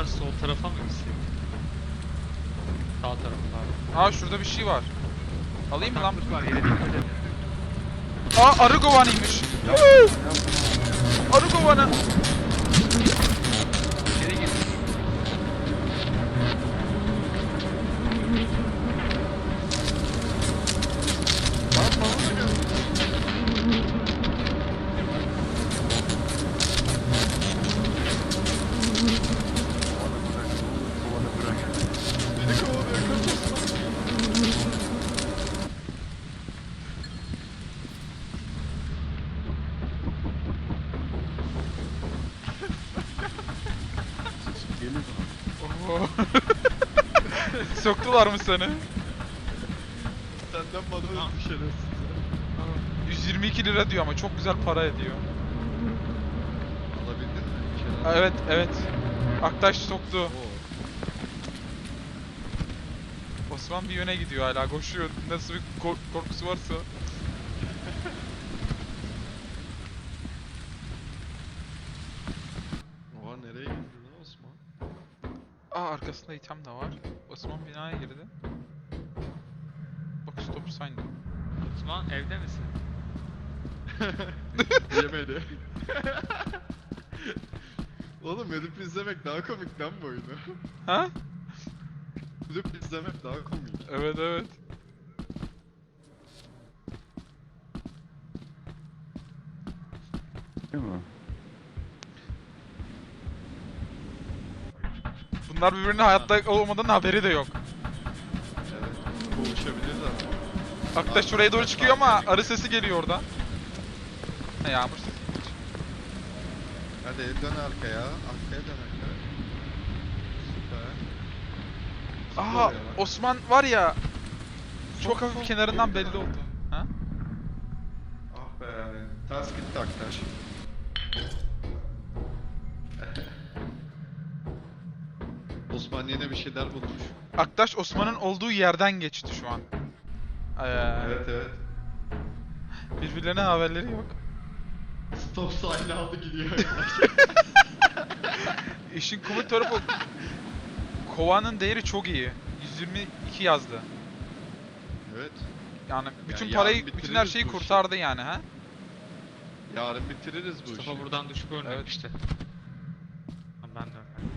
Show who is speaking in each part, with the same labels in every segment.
Speaker 1: sol tarafa mı gitsek? Sağ tarafa abi.
Speaker 2: Aa şurada bir şey var. Alayım mı lan?
Speaker 1: Bataklık var, yere dikkat edin.
Speaker 2: Aa arı kovanıymış. Arı kovanı.
Speaker 1: İçeri gir.
Speaker 3: Beni kovalıyor, kaç Osman.
Speaker 4: Gelir.
Speaker 2: Oo. Soktular mı seni?
Speaker 3: Senden bana bir şerefsiz.
Speaker 2: 122 lira diyor ama çok güzel para ediyor.
Speaker 3: Alabildin mi? Bir şeyler.
Speaker 2: Aa, evet evet. Aktaş soktu.
Speaker 3: Oo.
Speaker 2: Osman bir yöne gidiyor hala koşuyor. Nasıl bir korkusu varsa.
Speaker 3: Oha nereye gitti lan Osman?
Speaker 2: Aa arkasında item de var. Osman binaya girdi. Bak stop sign.
Speaker 1: Osman evde misin?
Speaker 3: Yemedi. Oğlum edip izlemek daha komik lan bu oyunu.
Speaker 2: Ha?
Speaker 3: Edip izlemek daha komik.
Speaker 2: Evet evet.
Speaker 4: Değil mi?
Speaker 2: Bunlar birbirine hayatta olmadan haberi de yok.
Speaker 3: Evet. Boğuşabilirler.
Speaker 2: Aktaş şuraya doğru çıkıyor ama arı sesi geliyor oradan. Ha yağmur sesi.
Speaker 3: Hadi dön arkaya. Arkaya dön arkaya. Süper.
Speaker 2: Aha
Speaker 3: Süper ya.
Speaker 2: Osman var ya. Çok
Speaker 3: Çok
Speaker 2: hafif
Speaker 3: çok
Speaker 2: kenarından
Speaker 3: iyi
Speaker 2: belli
Speaker 3: ya.
Speaker 2: oldu. Ha?
Speaker 3: Ah be yani. Ters gitti Aktaş. Osman yine bir şeyler bulmuş.
Speaker 2: Aktaş Osman'ın olduğu yerden geçti şu an.
Speaker 3: Evet evet.
Speaker 2: Birbirlerine haberleri yok.
Speaker 3: Stop sign aldı gidiyor.
Speaker 2: İşin komik tarafı kovanın değeri çok iyi. 122 yazdı.
Speaker 3: Evet.
Speaker 2: Yani bütün
Speaker 3: Yani
Speaker 2: parayı,
Speaker 3: yarın
Speaker 2: bütün her
Speaker 3: bitiririz
Speaker 2: şeyi
Speaker 3: bu işi.
Speaker 2: kurtardı yani ha.
Speaker 3: Yarın bitiririz bu işi.
Speaker 1: Mustafa buradan düşüp ölmemişti. Ben de ölmedim.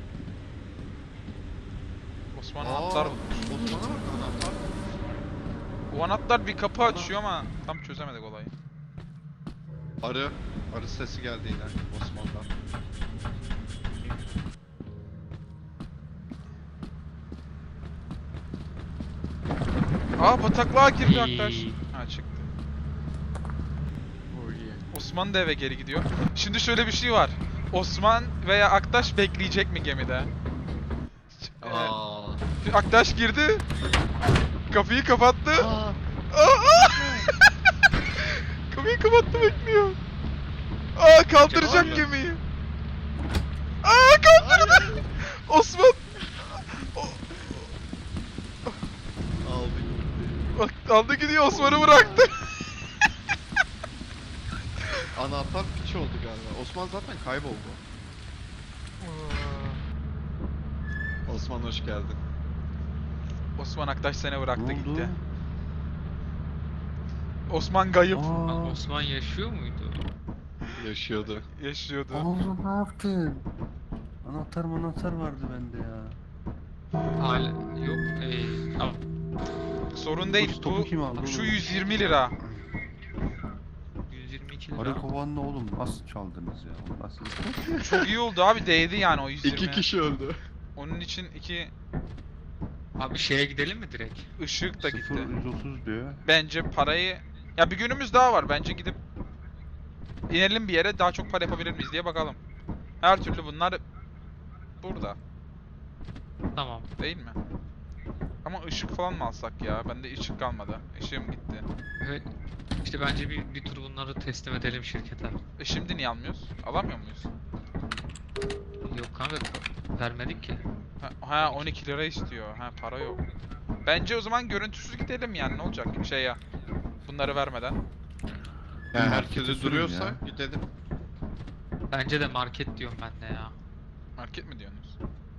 Speaker 2: Osman
Speaker 3: Aa,
Speaker 2: anahtar bulmuş.
Speaker 3: Osman'a bak anahtar.
Speaker 2: O anahtar bir kapı açıyor ama tam çözemedik olayı.
Speaker 3: Arı. Arı sesi geldi yine Osman'dan.
Speaker 2: Aa bataklığa girdi
Speaker 1: İyi.
Speaker 2: Aktaş. Ha çıktı.
Speaker 3: Oh yeah.
Speaker 2: Osman da eve geri gidiyor. Şimdi şöyle bir şey var. Osman veya Aktaş bekleyecek mi gemide?
Speaker 3: Aa.
Speaker 2: Aktaş girdi. Kapıyı kapattı.
Speaker 3: Aa.
Speaker 2: Aa! Kapıyı kapattı bekliyor. Aa kaldıracak
Speaker 3: Hayır.
Speaker 2: gemiyi. Aa kaldırdı. Osman.
Speaker 3: Aldı gitti.
Speaker 2: Aldı gidiyor Osman'ı bıraktı.
Speaker 3: Anahtar piç oldu galiba. Osman zaten kayboldu. Osman hoş geldin.
Speaker 2: Osman Aktaş seni bıraktı
Speaker 4: Ne oldu?
Speaker 2: gitti. Osman kayıp.
Speaker 4: Aa,
Speaker 1: Osman yaşıyor muydu?
Speaker 3: Yaşıyordu.
Speaker 2: Yaşıyordu.
Speaker 4: oğlum ne yaptın? Anahtar vardı bende ya.
Speaker 1: Hala yok.
Speaker 2: Sorun değil.
Speaker 4: Stopu kim aldı
Speaker 2: Bu şu
Speaker 4: oğlum?
Speaker 2: 120 lira.
Speaker 1: 122 lira.
Speaker 4: Arı kovanla oğlum nasıl çaldınız ya? O nasıl?
Speaker 2: Çok iyi oldu abi değdi yani o 120.
Speaker 3: 2 kişi öldü.
Speaker 2: Onun için iki
Speaker 1: Abi şeye gidelim mi direkt?
Speaker 2: ışık da gitti.
Speaker 4: 0-130 diyor.
Speaker 2: Bence parayı... Ya bir günümüz daha var. Bence gidip inelim bir yere daha çok para yapabilir miyiz diye bakalım. Her türlü bunlar burada.
Speaker 1: Tamam.
Speaker 2: Değil mi? Ama ışık falan mı alsak ya? Bende ışık kalmadı. Işığım gitti.
Speaker 1: Evet. İşte bence bir tur bunları teslim edelim şirkete.
Speaker 2: Şimdi niye almıyoruz? Alamıyor muyuz?
Speaker 1: Yok kanka vermedik ki.
Speaker 2: Ha 12 lira istiyor. Ha para yok. Bence o zaman görüntüsüz gidelim yani ne olacak şey ya. Bunları vermeden.
Speaker 3: Yani
Speaker 4: Markete
Speaker 3: herkese
Speaker 4: sürün
Speaker 3: duruyorsa
Speaker 4: ya.
Speaker 3: gidelim.
Speaker 1: Bence de market diyorum ben de ya.
Speaker 2: Market mi diyorsunuz?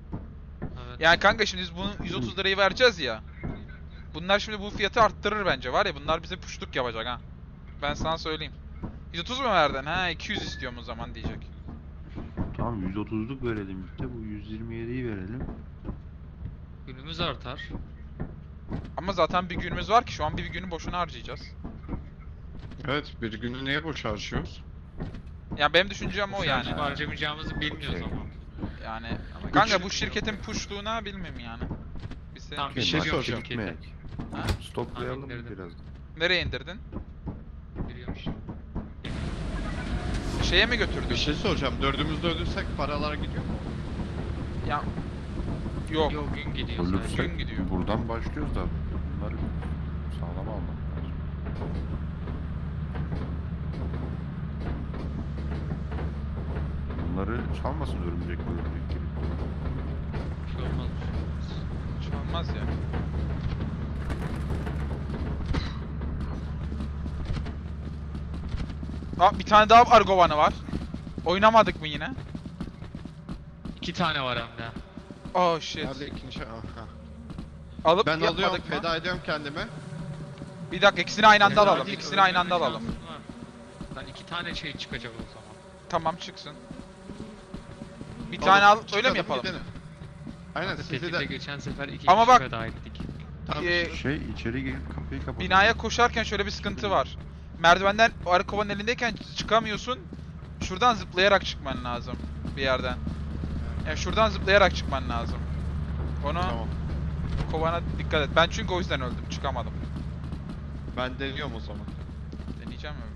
Speaker 2: Yani kanka şimdi biz bunu 130 lirayı vereceğiz ya. Bunlar şimdi bu fiyatı arttırır bence var ya, bunlar bize puşluk yapacak ha. Ben sana söyleyeyim. 130 mu verdin? Ha 200 istiyorum o zaman diyecek.
Speaker 4: Tamam 130'luk verelim işte. Bu 127'yi verelim.
Speaker 1: Günümüz artar.
Speaker 2: Ama zaten bir günümüz var ki şu an bir günü boşuna harcayacağız.
Speaker 3: Evet, bir günü niye boş harcıyoruz?
Speaker 2: Ya benim düşüncem o yani.
Speaker 1: Harcayıp harcamayacağımızı bilmiyoruz
Speaker 4: Okey.
Speaker 1: ama.
Speaker 2: Yani kanka bu şirketin puşluğuna bilmem yani. Bize
Speaker 1: Tamam,
Speaker 3: Bir şey
Speaker 1: Biliyorum
Speaker 3: soracağım.
Speaker 1: şirketi.
Speaker 4: Gitmeyek.
Speaker 2: Ha?
Speaker 4: Stoplayalım
Speaker 1: Tahminlerden.
Speaker 4: biraz.
Speaker 2: nereye indirdin?
Speaker 1: Biliyormuş.
Speaker 2: Şeye mi götürdün?
Speaker 3: Bir şey soracağım. Dördümüzde ölürsek paralar gidiyor mu?
Speaker 2: Ya yok.
Speaker 1: Yok, gün gidiyor sadece.
Speaker 2: Gün
Speaker 4: Ölürsek
Speaker 2: gidiyor.
Speaker 4: buradan başlıyoruz da bunları sağlam almak lazım. Bunları çalmasın örümcek gibi.
Speaker 1: Bir şey olmaz.
Speaker 2: Hiç olmaz ya. Aa bir tane daha Argovan'ı var. Oynamadık mı yine?
Speaker 1: 2 tane var hem de.
Speaker 2: Oh shit.
Speaker 3: Nerede ikinci? Aha.
Speaker 2: Alıp
Speaker 3: Ben alıyorum,
Speaker 2: yapmadık mı?
Speaker 3: feda ediyorum kendime.
Speaker 2: Bir dakika ikisini aynı anda
Speaker 1: Fena
Speaker 2: alalım.
Speaker 1: değil,
Speaker 2: İkisini aynı anda
Speaker 1: öldürme
Speaker 2: alalım.
Speaker 1: şansın var. Lan 2 tane şey çıkacak o zaman.
Speaker 2: Tamam çıksın. Bir tane al öyle
Speaker 3: Çıkalım,
Speaker 2: mi yapalım?
Speaker 3: gidelim. Aynen sizi
Speaker 1: Tehdide
Speaker 3: de.
Speaker 1: geçen sefer 2
Speaker 2: Ama
Speaker 1: kişi
Speaker 2: bak-
Speaker 1: feda ettik.
Speaker 3: Tamam,
Speaker 4: Şey içeri girip kapıyı kapatalım.
Speaker 2: Binaya koşarken şöyle bir sıkıntı var. Merdivenden o Argovan'ın elindeyken çıkamıyorsun. Şuradan zıplayarak çıkman lazım bir yerden. Yani şuradan zıplayarak çıkman lazım. Onu
Speaker 3: Tamam.
Speaker 2: kovana dikkat et. Ben çünkü o yüzden öldüm. Çıkamadım.
Speaker 3: Ben deniyorum o zaman.
Speaker 2: Deneyeceğim mi?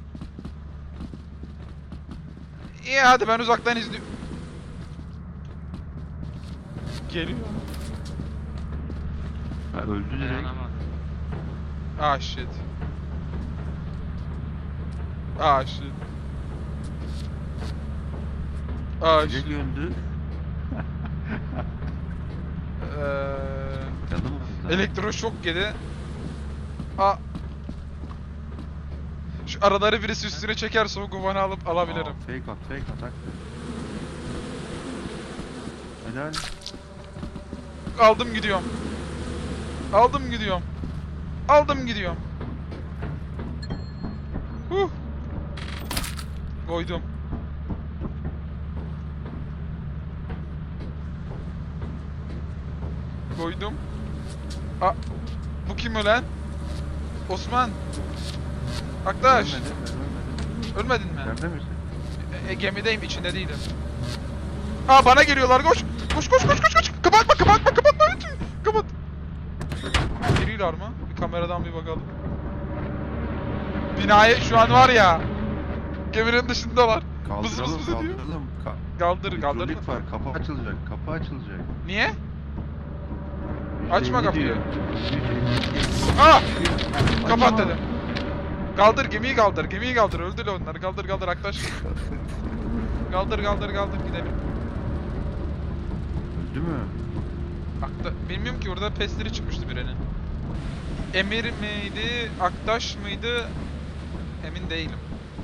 Speaker 2: İyi hadi ben uzaktan izliyorum. Geliyor.
Speaker 4: Ha, öldü direkt.
Speaker 1: Dayanamadım.
Speaker 2: Ah shit. Ah shit. Ah
Speaker 4: Direkt
Speaker 2: shit.
Speaker 4: öldü. Yanımızda.
Speaker 2: Elektroşok yedi. Aa. Şu araları birisi üstüne çekerse o guvanı alıp alabilirim.
Speaker 4: Aa, fake at, fake atak. Helal.
Speaker 2: Aldım gidiyorum. Aldım gidiyorum. Aldım gidiyorum. Koydum. Koydum. Aa, bu kim ölen? Osman. Aktaş.
Speaker 4: Ölmedi,
Speaker 2: Ölmedin mi?
Speaker 4: Nerede misin?
Speaker 2: Gemideyim, içinde değilim. Aa bana geliyorlar, koş. Koş koş koş koş koş. Kapatma kapatma kapatma. Kapat. Geliyorlar mı? Bir kameradan bir bakalım. Binaya şu an var ya. Geminin dışındalar. Vız vız
Speaker 4: Kaldıralım,
Speaker 2: vız ediyor.
Speaker 4: kaldıralım.
Speaker 2: Kaldır kaldır.
Speaker 4: Hidrolik var, kapı açılacak, kapı açılacak.
Speaker 2: Niye? Açma
Speaker 4: %50
Speaker 2: kapıyı.
Speaker 4: diyor.
Speaker 2: Aa! Kapat dedim. Kaldır gemiyi kaldır. Gemiyi kaldır. Öldür onları. Kaldır kaldır Aktaş. Kaldır kaldır kaldır gidelim.
Speaker 4: Öldü mü?
Speaker 2: Bilmiyorum ki orada pesleri çıkmıştı birinin. Emir miydi? Aktaş mıydı? Emin değilim.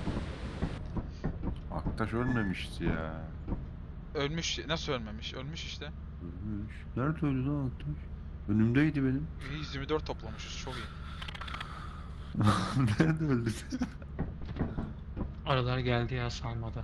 Speaker 4: Aktaş ölmemişti ya.
Speaker 2: Ölmüş. Nasıl ölmemiş? Ölmüş işte.
Speaker 4: Ölmüş. Nerede öldü lan Aktaş? Önümdeydi benim.
Speaker 2: 124 toplamışız. Çok iyi.
Speaker 4: Nerede öldü?
Speaker 1: Aralar geldi ya salmada.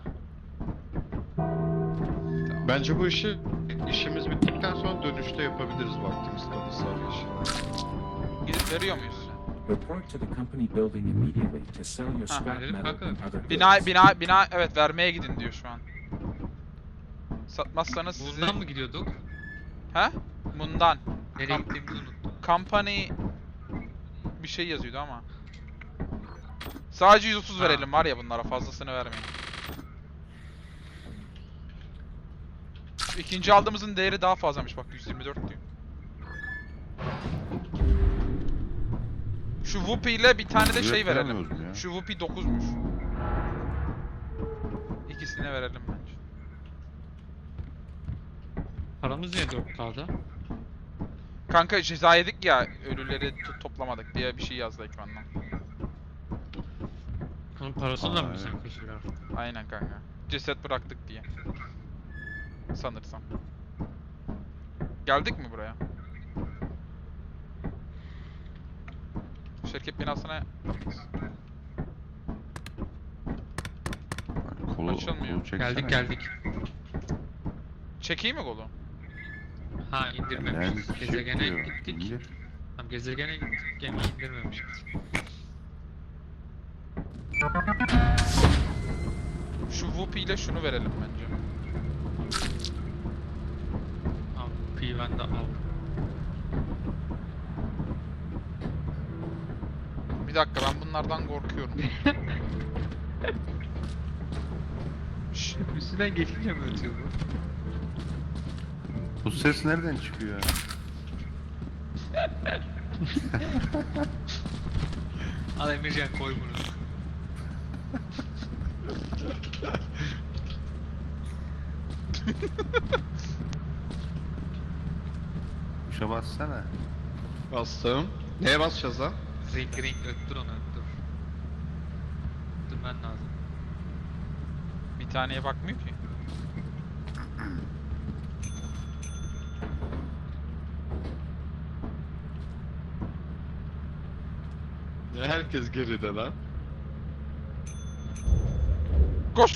Speaker 2: Tamam.
Speaker 3: Bence bu işimiz bittikten sonra dönüşte yapabiliriz vaktimiz kalırsa arayışı.
Speaker 2: Gidip veriyor muyuz?
Speaker 5: Report to the company building immediately to sell your scrap
Speaker 1: verelim
Speaker 5: metal
Speaker 1: kanka.
Speaker 5: and other
Speaker 2: Bina evet vermeye gidin diyor şu an. Satmazsanız sizi...
Speaker 1: Buradan mı gidiyorduk?
Speaker 2: He? Bundan.
Speaker 1: Nereye gittiğimizi unuttum.
Speaker 2: Company bir şey yazıyordu ama. Sadece 130
Speaker 1: Ha.
Speaker 2: verelim var ya bunlara, fazlasını vermeyin. İkinci aldığımızın değeri daha fazlamış bak, 124 diyor. Şu Whoopi ile bir tane de şey verelim.
Speaker 4: Veremiyoruz mu ya?
Speaker 2: Şu Whoopi 9'muş. İkisine verelim bence.
Speaker 1: Paramız niye 4K'da?
Speaker 2: Kanka ceza yedik ya, ölüleri toplamadık diye bir şey yazdı ekrandan.
Speaker 1: Onun parasını da mı
Speaker 4: Aa,
Speaker 1: bizden
Speaker 4: evet.
Speaker 1: kesiyorlar?
Speaker 2: Aynen kanka. Ceset bıraktık diye. Sanırsam. Geldik mi buraya? Şirket binasına
Speaker 4: Kolu,
Speaker 2: Açılmıyor.
Speaker 4: kolu çeksene.
Speaker 1: Geldik.
Speaker 2: çekeyim mi kolu?
Speaker 1: Ha indirmemişiz.
Speaker 4: Yani
Speaker 1: Gezegene
Speaker 4: diyor,
Speaker 1: gittik.
Speaker 4: indir.
Speaker 1: Tamam gezegene gittik. Gemiyi indirmemişiz.
Speaker 2: Şu Whoopi ile şunu verelim bence.
Speaker 1: Al. Piven de al.
Speaker 2: Bir dakika ben bunlardan korkuyorum. Şş,
Speaker 1: Üstünden geçince mi ötüyor bu?
Speaker 4: Bu ses nereden çıkıyor ya?
Speaker 1: Al Emircan koy bunu.
Speaker 4: Tuşa bassana.
Speaker 3: Bastım. Neye basacağız lan?
Speaker 1: Ring öttür onu öttür. Öttürmen lazım.
Speaker 2: bir taneye bakmıyor ki.
Speaker 3: Ya herkes geride lan.
Speaker 2: Koş.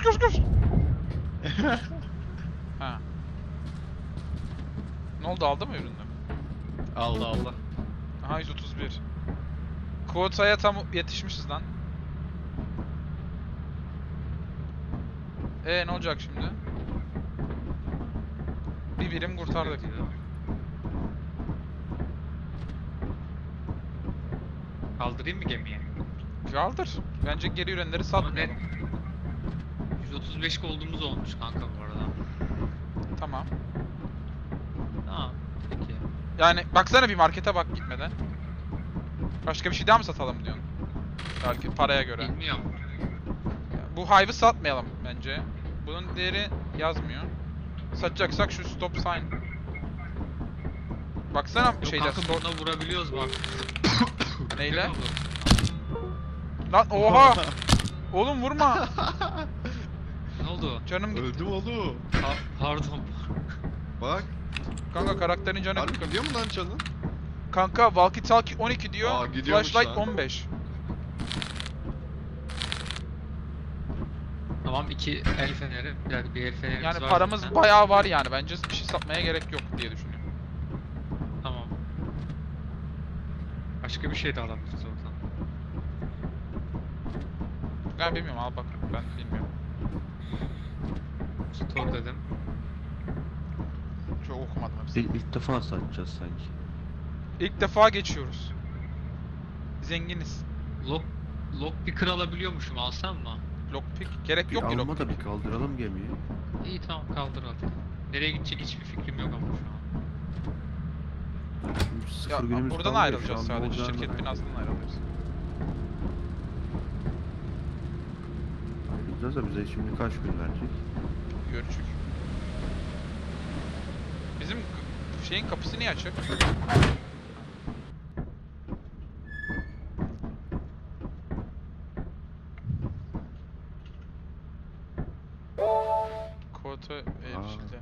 Speaker 2: Ha. Ne oldu aldı mı ürünü?
Speaker 3: Allah.
Speaker 2: Aha 131. Kuota'ya tam yetişmişiz lan. Ne olacak şimdi? Bir birim kurtardık.
Speaker 1: Kaldırayım mı gemiye?
Speaker 2: Kaldır. Bence geri ürünleri
Speaker 1: Ama
Speaker 2: satmayalım.
Speaker 1: net 135 olduğumuz olmuş kanka bu arada.
Speaker 2: Tamam.
Speaker 1: Tamam. Peki.
Speaker 2: Yani baksana bir markete bak gitmeden. Başka bir şey daha mı satalım diyorsun? Belki paraya göre.
Speaker 1: Bilmiyorum.
Speaker 2: Bu Hive'ı satmayalım bence. Bunun değeri yazmıyor. Satacaksak şu stop sign. Baksana
Speaker 1: Yok
Speaker 2: şeyde
Speaker 1: kanka
Speaker 2: store...
Speaker 1: buna vurabiliyoruz bak.
Speaker 2: Neyle?
Speaker 1: Ne oldu?
Speaker 2: Lan oha! Oğlum vurma!
Speaker 1: Ne oldu?
Speaker 2: Canım gitti.
Speaker 3: Öldüm oğlum.
Speaker 1: Pardon.
Speaker 3: Bak.
Speaker 2: Kanka karakterin canı
Speaker 3: Harbi
Speaker 2: gitti.
Speaker 3: gidiyor mu lan canın?
Speaker 2: Kanka walkie talkie 12 diyor.
Speaker 3: Aa, gidiyormuş
Speaker 2: Flashlight
Speaker 3: lan.
Speaker 2: 15.
Speaker 1: Tamam iki el feneri. Bir el fenerimiz
Speaker 2: Yani
Speaker 1: var
Speaker 2: paramız
Speaker 1: zaten.
Speaker 2: bayağı var yani. Bence bir şey satmaya gerek yok diye düşünüyorum.
Speaker 1: Tamam. Başka bir şey de alabiliriz oradan.
Speaker 2: Ben bilmiyorum al bak. Ben bilmiyorum.
Speaker 1: Store dedim.
Speaker 2: Çok okumadım hepsini.
Speaker 4: İlk defa satacağız sanki.
Speaker 2: İlk defa geçiyoruz. Zenginiz.
Speaker 1: Lockpicker alabiliyormuşum, alsam mı?
Speaker 2: Lockpick. Gerek
Speaker 4: Bir
Speaker 2: yok ki
Speaker 4: alma
Speaker 2: lockpick.
Speaker 4: da bir kaldıralım gemiyi.
Speaker 1: İyi tamam kaldır hadi. Nereye gidecek hiçbir fikrim yok ama şu an.
Speaker 4: Şimdi sıfır
Speaker 2: Ya
Speaker 4: günümüz
Speaker 2: buradan
Speaker 4: kaldı ya,
Speaker 2: ayrılacağız
Speaker 4: şu an ne
Speaker 2: sadece.
Speaker 4: olacağını
Speaker 2: Şirket
Speaker 4: da-
Speaker 2: binasından ayrılıyoruz.
Speaker 4: Ayrılacağız da bize şimdi kaç gün verecek?
Speaker 2: Görüşük. Bizim şeyin kapısı niye açık? Kota erişildi.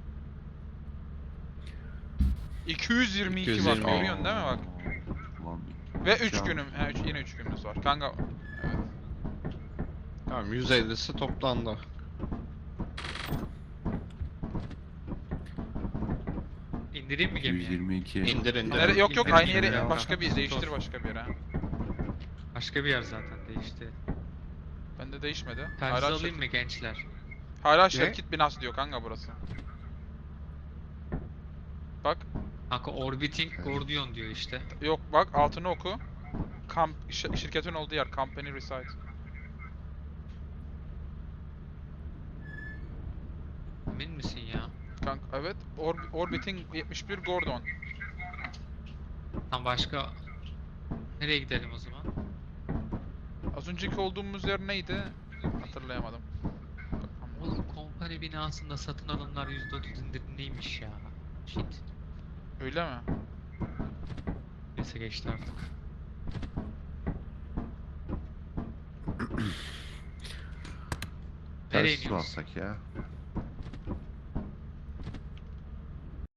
Speaker 2: 222 bak
Speaker 3: 222.
Speaker 2: görüyorsun değil mi bak?
Speaker 4: Lan,
Speaker 2: Ve 3
Speaker 4: Şu an-
Speaker 2: günüm. Yine 3 günümüz var. Kanka evet.
Speaker 3: Tamam 150'si toplandı.
Speaker 1: İndireyim mi gemiye?
Speaker 4: 122.
Speaker 3: İndir.
Speaker 2: Yok
Speaker 1: İndirim
Speaker 2: aynı
Speaker 1: gibi
Speaker 2: yere
Speaker 1: ya.
Speaker 2: başka bir değiştir
Speaker 1: Sor.
Speaker 2: başka bir yere.
Speaker 1: Başka bir yer zaten değişti.
Speaker 2: Bende değişmedi.
Speaker 1: Telsiz
Speaker 2: Hala
Speaker 1: alayım mı gençler?
Speaker 2: Hala şirket binası diyor kanka burası. Bak
Speaker 1: Kanka Orbiting Gordion diyor işte.
Speaker 2: yok bak altını oku. Şirketin olduğu yer company reside.
Speaker 1: Emin misin ya?
Speaker 2: Kanka evet Orbiting 71 Gordon.
Speaker 1: Tam başka... Nereye gidelim o zaman?
Speaker 2: Az önceki olduğumuz yer neydi? Hatırlayamadım.
Speaker 1: Oğlum kompani binasında satın alımlar %30 indirimliymiş ya. Shit.
Speaker 2: Öyle mi?
Speaker 1: Neyse geçti artık. Nereye
Speaker 4: Telsiz
Speaker 1: iniyoruz?
Speaker 4: alsak ya.